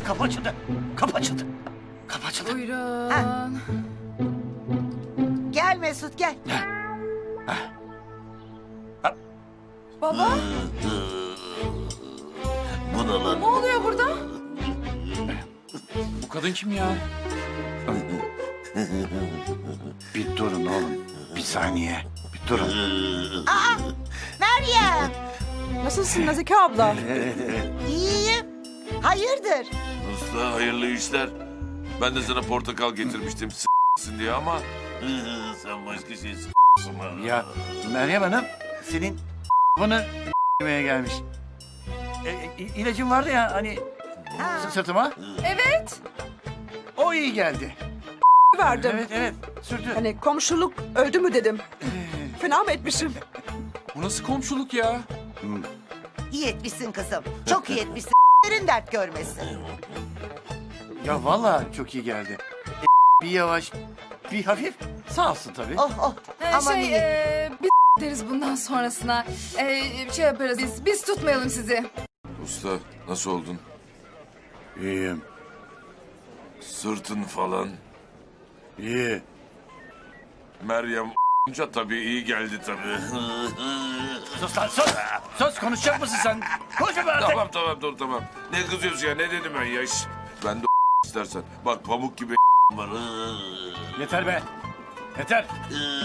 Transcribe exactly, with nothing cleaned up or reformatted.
Kapı açıldı. Kapı açıldı. Kapı açıldı. Buyurun. Gel Mesut gel. Baba, Bu ne lan? ne oluyor burada? Bu kadın kim ya? Bir durun oğlum. Bir saniye. Bir durun. Meryem. Nasılsın Nazike abla? İyiyim. Hayırdır? Usta hayırlı işler. Ben de sana portakal getirmiştim s**sın diye ama... Sen başka şey s**sın ha. Ya Meryem Hanım senin bunu yemeye gelmiş. E, e, ilacın vardı ya hani Ha. s- sırtıma. Evet. O iyi geldi. verdim. Evet evet sürdü. Hani komşuluk öldü mü dedim. Fena mı etmişim? Bu nasıl komşuluk ya? İyi etmişsin kızım. Çok iyi etmişsin. Derin dert görmesin. Ya vallahi çok iyi geldi. E, bir yavaş, bir hafif sağ olsun tabii. Oh oh. Ee, Aman şey, iyi. e, biz deriz bundan sonrasına. Ee, şey yaparız biz, biz tutmayalım sizi. Usta nasıl oldun? İyiyim, Sırtın falan. iyi. Meryem a**ınca tabii iyi geldi tabii. Sus lan sus. Sus konuşacak mısın sen? Konuşma be artık. Tamam tamam dur tamam. Ne kızıyorsun ya ne dedim ben ya? Şş, ben de istersen. Bak pamuk gibi var. Yeter be. Yeter.